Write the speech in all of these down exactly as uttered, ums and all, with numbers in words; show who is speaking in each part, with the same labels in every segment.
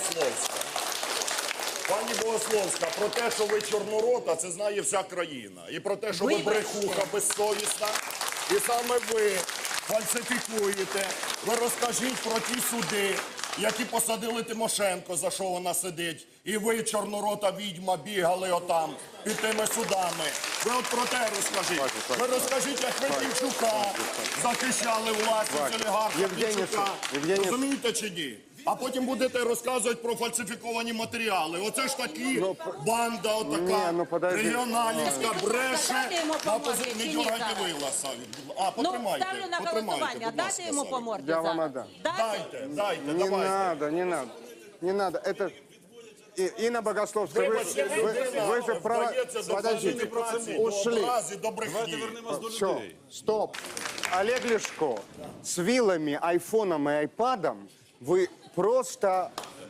Speaker 1: Богословська. Пані Богословська, про те, що ви чорнорота, це знає вся країна. І про те, що ви брехуха безсовісна. І саме ви фальсифікуєте. Ви розкажіть про ті суди, які посадили Тимошенко, за що вона сидить. І ви, чорнорота відьма, бігали отам під тими судами. Ви от про те розкажіть. Ви розкажіть, як ви Півчука захищали власність олігарха Півчука. Розумієте чи ні? А потім будете розказувати про фальсифіковані матеріали. Оце ж такі банда отака, регіоналівська, бреше. Не дергайте вила, Савік. А, потримайте.
Speaker 2: Ставлю на голосування. Дайте йому по морді
Speaker 3: Я вам
Speaker 2: зараз.
Speaker 3: отдам.
Speaker 1: Дайте, дайте,
Speaker 3: Не
Speaker 1: давайте.
Speaker 3: надо, не надо. Не надо. Это... И- Инна Богословская, вы,
Speaker 1: Вибачте,
Speaker 3: вы,
Speaker 1: людина
Speaker 3: вы же права...
Speaker 1: вдається до
Speaker 3: Подождите,
Speaker 1: фальсифікації, до
Speaker 3: ушли.
Speaker 1: образи, до брехні.
Speaker 3: Все, стоп. Олег Ляшко, с вилами, айфоном и айпадом вы просто...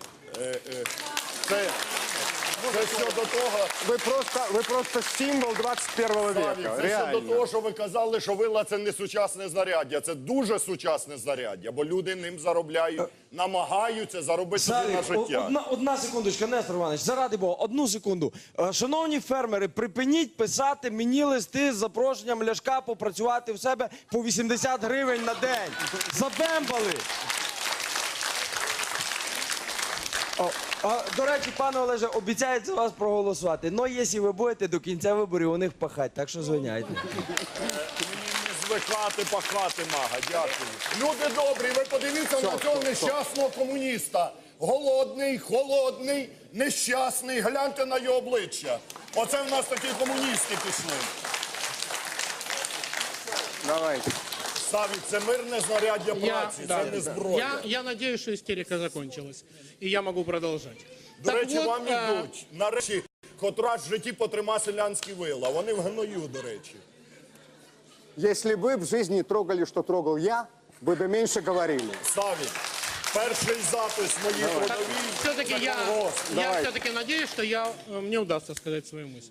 Speaker 1: Це, це все до того,
Speaker 3: Вы просто, вы просто символ двадцать первого
Speaker 1: Савік,
Speaker 3: века.
Speaker 1: це все до
Speaker 3: Реально.
Speaker 1: того, що ви казали, що вила – це не сучасне знаряддя. Це дуже сучасне знаряддя, бо люди ним заробляють, намагаються заробити собі на
Speaker 4: Савік,
Speaker 1: життя.
Speaker 4: одна, одна секундочка, Нестор Іванович, заради Бога, одну секунду. Е, Шановні фермери, припиніть писати мені листи з запрошенням Ляшка попрацювати в себе по вісімдесят гривень на день. Забембали! О, а, до речі, пане Олеже, обіцяють за вас проголосувати. Ну, якщо ви будете до кінця виборів у них пахати, так що звиняйте.
Speaker 1: Мені не звикати пахати, мага, дякую. Люди добрі, ви подивіться на цього нещасного комуніста. Голодний, холодний, нещасний. Гляньте на його обличчя. Оце в нас такі комуністи пішли.
Speaker 3: Давайте.
Speaker 1: Савік, це мирне знаряддя
Speaker 5: Я,
Speaker 1: праці,
Speaker 5: да,
Speaker 1: це не
Speaker 5: да.
Speaker 1: зброя.
Speaker 5: я, я надеюсь, что истерика закончилась. И я могу продолжать.
Speaker 1: До
Speaker 5: Так
Speaker 1: речі,
Speaker 5: вот,
Speaker 1: вам
Speaker 5: а,
Speaker 1: ідуть. Нарешті, хоч раз в житті потрима селянські вила. Вони в гною, до речі.
Speaker 3: Если бы в жизни трогали, что трогал я, вы бы меньше говорили.
Speaker 1: Савік, перший запис моїй трудовій.
Speaker 5: все-таки я,
Speaker 1: Закон-Гост.
Speaker 5: я все-таки надеюсь, что я, э, мне удастся сказать свою мысль.